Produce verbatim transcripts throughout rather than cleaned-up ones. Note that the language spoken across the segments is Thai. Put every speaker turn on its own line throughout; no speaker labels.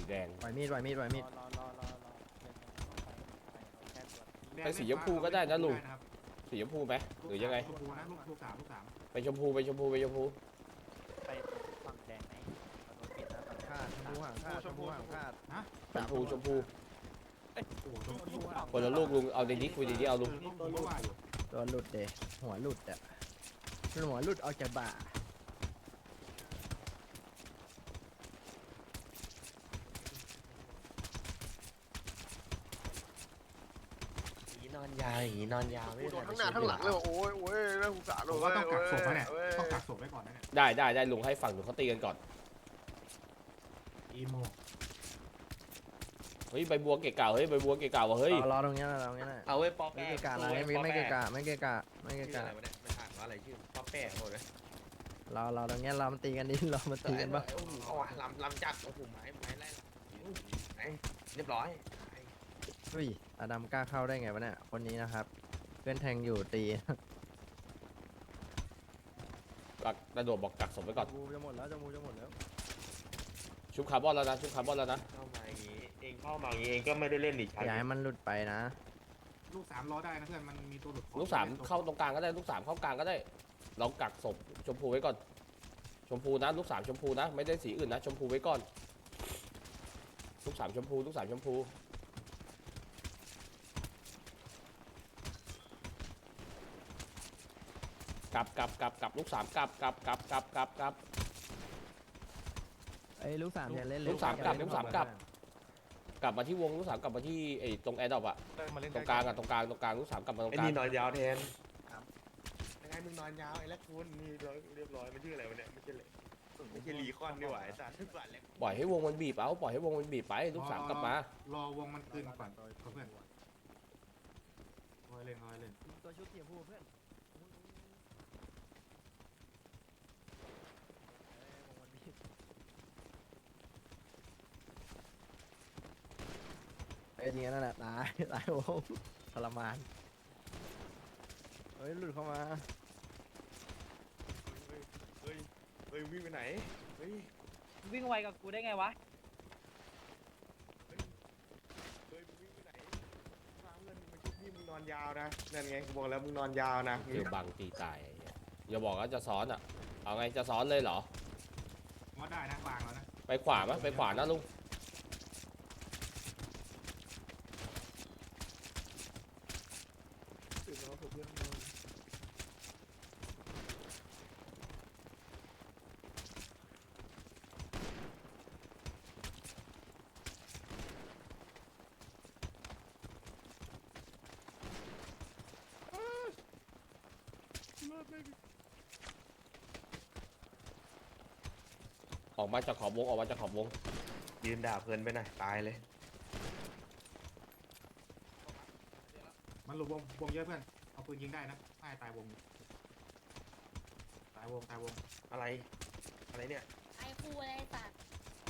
แดง
ปล่อยมีดปล่อยมีดปล่อยมีด
ไปสีชมพูก็ได้นะลุงสีชมพูไหมหรือยังไง
ชมพูนะลูกลูกสามลูกสาม
ไปชมพูไปชมพูไปชมพู
ไปฝั่งแดงไหมเราโดนปิดนะฝั่ง
คาดชมพูห่างคาดชมพูห่างคาด
ฮะ
ชมพูชมพู
โอ้โหชมพู
คนละลูกลุงเอาในนี้คุยดีๆเอาลุง
ตัวลูกว่าอยู่
ตัวหลุดเดะหัวหลุดอ่ะหัวหลุดออกจากบ่า
หีนอนยาวหีนอนยาวไม่
โดนทั้งหน้าทั้งหลังเลยโอ้ยโอ้ยน่าสงสารเล
ผ
ย
มว่าต้องกักศพนะเนี่ยต้องกักศพไว้ก่อนนะเนี่ย
ได้ได้ได้ลุงให้ฝั่งหนูเขาตีกันก่อน
อีโม
เฮ้ยใบบัวเกะกะเฮ้ยใบบัวเกะกะวะเฮ้ย
รอตรงนี้นะตรงนี้นะ
เอาไว้ป๊อป
ไม่
แป้
เกะกะนะไม่ไม่เกะกะไม่เกะกะไม่
ชื่
เกะ
ออะไร
กะ
วะเนี่ยมันอ่านว่าอะไรชื่อป๊อปแป้หมดเลย
รอรอตรงนี้เรามันตีกันดิเรามันตีกันปะ
โอ้โหเอาว่ะลำลำจัดโอ้โหไม้ไม้ไล่ไอ้เรียบร้อย
เฮ้ยอดัมกล้าเข้าได้ไงวะเนี่ยคนนี้นะครับเพื่อนแทงอยู่ตี
กักกระโดดบอกกักศพไว้ก่อน
จมูจะหมดแล้วจมูจะหมดแล้ว
ชุบคาร์บอนแล้วนะชุบคาร์บอนแล้วนะ
เข้ามาอย่างงี้เองเข้ามาอย่างงี้เองก็ไม่ได้เล่นอีกใช่
อย่าให้มันหลุดไปนะ
ลูกสามรอได้นะเพื่อนมันมีตัวหลุด
ลูกสามเข้าตรงกลางก็ได้ลูกสามเข้ากลางก็ได้เรากักศพชมพูไว้ก่อนชมพูนะลูกสามชมพูนะไม่ได้สีอื่นนะชมพูไว้ก่อนลูกสามชมพูลูกสามชมพูกลับกลับกลับกลับลูกสามกลับกลับกลับกลับกลับกลับ
ไอ้ลูกสามอย่าเล่น
ลูกสามกลับลูกสามกลับ กลับมาที่วงลูกสามกลับมาที่ไอ้ตรงแอร์ดรอปอะตรงกลางอะตรงกลางตรงกลางลูกสามกลับมาตรง
ไอ้
กลาง
นี่นอนยาวแทนยังไงมึงนอนยาวไอ้ละคุณนี่เรียบร้อยมันชื่ออะไรวะเนี่ยไม่ใช่เลยไม่ใช่ลีคอนนี่หว่าไอ้สัตว์ทุกวันเลย
ปล่อยให้วงมันบีบเอาปล่อยให้วงมันบีบไปลูกสามกลับมาร
อวงมันคืนก่อนเพื่อนคอยเล่นคอยเล่น
ตัวชุดเสียผู้เพื่อนไอ้จริงนั่นแหละตายตายวงทรมานเฮ้ยหลุดเข้ามา
เฮ้ยเฮ้ยวิ่งไปไหนเฮ้ย
วิ่งไวกับกูได้ไงวะ
เฮ้ยวิ่งไปไหนฟังเงินมันชุบพี่มึงนอนยาวนะนั่นไงกูบอกแล้วมึงนอนยาวนะ
เจอบังตีตายไอ้เหี้ยอย่าบอกว่าจะซ้อนอะเอาไงจะซ้อนเลยเหรอ
ว่าได้นะวางแล้วนะ
ไปขวาไหมไปขวานะลุง ออกมาจากขอบวงออกมาจากขอบวง
ยืนด่าเพลินไปหน่อยตายเลย
มันหลุดวงวงเยอะเพื่อนเอาปืนยิงได้นะให้ตายวงตายวงตายวง
อะไรอะไรเนี่ย
ไอ้ครูอะไรสัตว์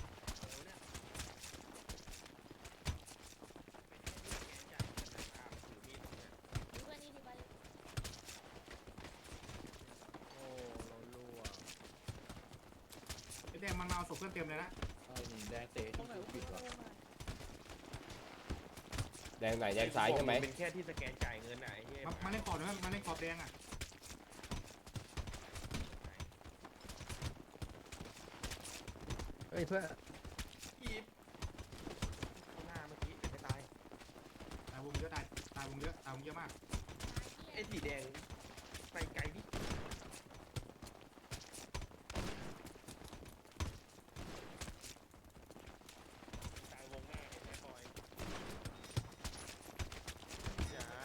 ดูกันนี่ดีกว่าเลย
โอ้เราลัว
ไอ้แดงมันมาเอาศพเพื่อนเต็มเลยนะ
แดงเตะ
ตรงไหนวะกูงงอะ
แดงไหนแดงซ้ายใช่ไหม
เป็นแค่ที่สแกนจ่ายเงินไหนเฮ้ย
มันมันเล่นขอบเลยมันเล่นขอบแดงอ่ะ
เฮ้ยเพื่อน
อีฟหน้าเมื่อกี้ไม่ตาย
ตายวงเยอะตายตายวงเยอะตายวงเยอะมาก
ไอ้สีแดงไปไกลดิตายวงหน้าเห็นไหมบอยจ้า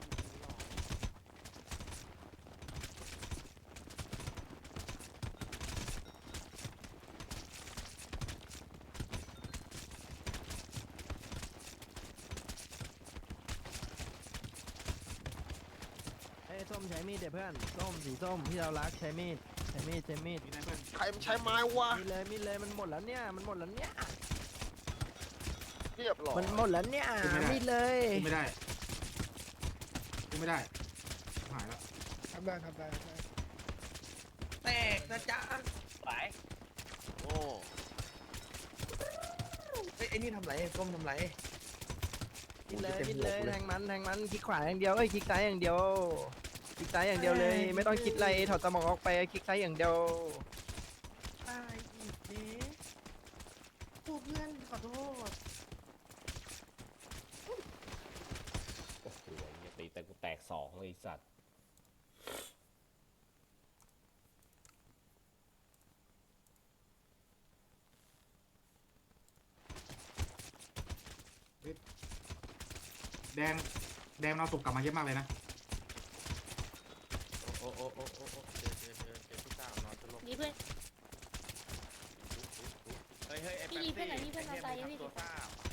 เฮ้ยส้มใช้มีดเดี๋ยวเพื่อนส้มสีส้มที่เรารักใช้มีดใช้มีดใช้มีด
มีได้เพื่อน
ใครมันใช้ไม้วะ
มีเลยมีเลยมันหมดแล้วเนี่ยมันหมดแล้วเนี่ย
เรียบร้อย
มันหมดแล้วเนี่ยมีดเลย
ขึ้นไม่ได้ขึ้นไม่ได้หายแล้ว
ทำได้ทำได้
แตกนะจ๊ะ
ไหว
โอ้
เฮ้ยไอ้นี่ทำไรก้มทำไร
มิดเลยมิดเลยแทงมันแทงมันคลิกขวาอย่างเดียวเอ้ยคลิกซ้ายอย่างเดียวคลิกซ้ายอย่างเดียวเลย ไม่ต้องคิดอะไรถอดสมองออกไปคลิกซ้ายอย่างเดียว
ตายอีกเด้โอ้เพื่อนขอโทษ
โอ้โหเหี้ยตีแต่กูแตกสองเลยไอ้สัตว์
แดงแดงเราตกกลับมาเยอะมากเลยนะ
โอ้โอ้โอ้โอ้โอ้เจอเจอเจอเจอพี่สาวนอนจะลง
นี่เพื่อน
เฮ้ยเฮ้ยไอ้
พี่
แป๊บ
ดีเพื่อนหน่อยพี่เพื่อน
ไอ้
เรา
เหี้ย
ตาย
มึง
ยังพี่
ทำตัวซ่า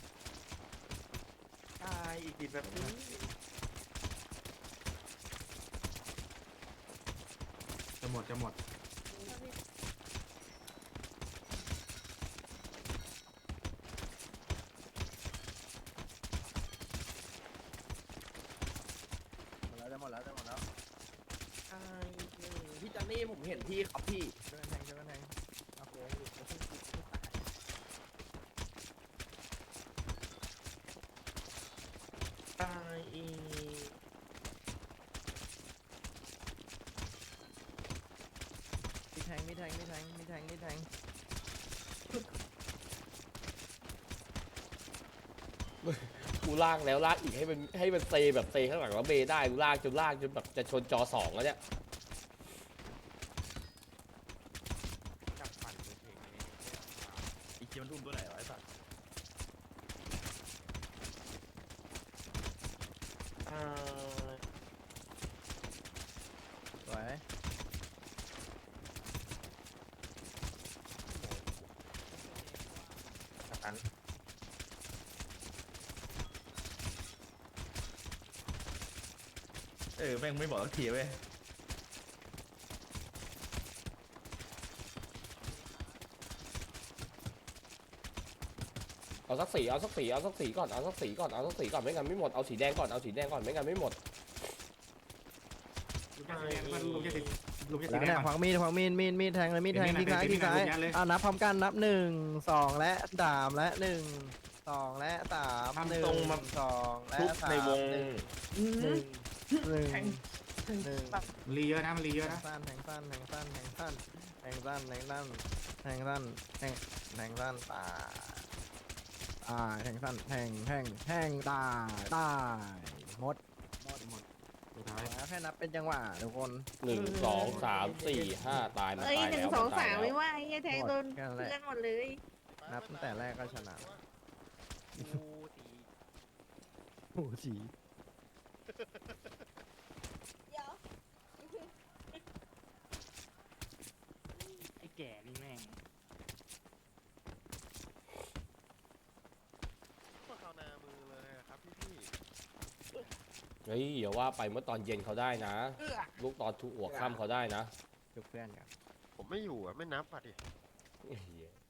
ตายอีกทีแบบนี้
จะหมดจะหมด
หมดแล้วจะหมดแล้วจะหมดแล้ว
ตายอีกหนึ่งพี่จันนี่ผมเห็นพี่ครับพี่
ช่วยกันแทงช่วยกันแทงเอาโค้งอยู่จะเพิ่งติดเพิ่งตาย
ตายอีก
มีแทงมีแทงมีแทงมีแทงมีแทง
กูลากแล้วลากอีกให้มันให้มันเซแบบเซข้างหลังแล้วเบได้กูลากจนลากจนแบบจะชนจอสองแล้วเนี่ย
จับปั่นเลยเพลงนี้
อีกทีมันทุ่มตัวไหนวะไอ้สัตว์
ตาย
สวย
อัน
เออแม่งไม่บอกสักทีเว้ย
เอาสักสีเอาสักสีเอาสักสีก่อนเอาสักสีก่อนเอาสักสีก่อนไม่งั้นไม่หมดเอาสีแดงก่อนเอาสีแดงก่อนไม่งั้นไม่หมด
ลุงจะสีแดงเพื่อนลุงจะสีลุงจะสี
แล้ว
แดง
เนี่ย
ก่อน
ขวางมีดขวางมีดมีดมีดแทงเลยมีดแทง
เดี๋
ที่
ยว
ซ้าย
มีด
ที่ซ้าย
เดี๋ยวมีด
อ่านับพร้อมกันนับหนึ่งสองและสามและหนึ่งสองและสามหนึ่งสองและ
ทุบ
สาม
ในวง
หนึ่งหนึ่งหนึ่งหนึ่ง
มันรีเยอะนะมันรีเยอะ
แท
นะ
งสั้นแทงสั้นแทงสั้นแทงสั้นแทงสั้นแทงสั้นแทงสั้นแทงแทงสั้นตายตายแทงสั้นแทงแทงแทงตายตายหมดหมดหมด
สุดท้าย
แล้วแค่นับเป็นจังหวะทุกคน
หนึ่งสองสามสี่ห้าตายมัน
เอ้ย
ตาย
หนึ่ง
แล้ว
สอง
มันตา
สาย ม
แล้ว
ไม่ว่าไอ้เหี้ยแทงโดน
แค่นั้นแหละ
เพื่อนหมดเลย
นับตั้งแต่แรกก็ชนะ
กูตี
โอ้สี
เดี๋ยว
ไอ้แก่นี่แม่ง
ก็เข้าหน้ามือเลยอะครับพี่พี่
เฮ้ยอย่าว่าไปเมื่อตอนเย็นเขาได้นะ ลูกตอนทุกหัวค่ำเขาได้นะ
จุกเพื่อนกัน
ผมไม่อยู่อ่ะไม่นับอ่ะดิ
เหี้ย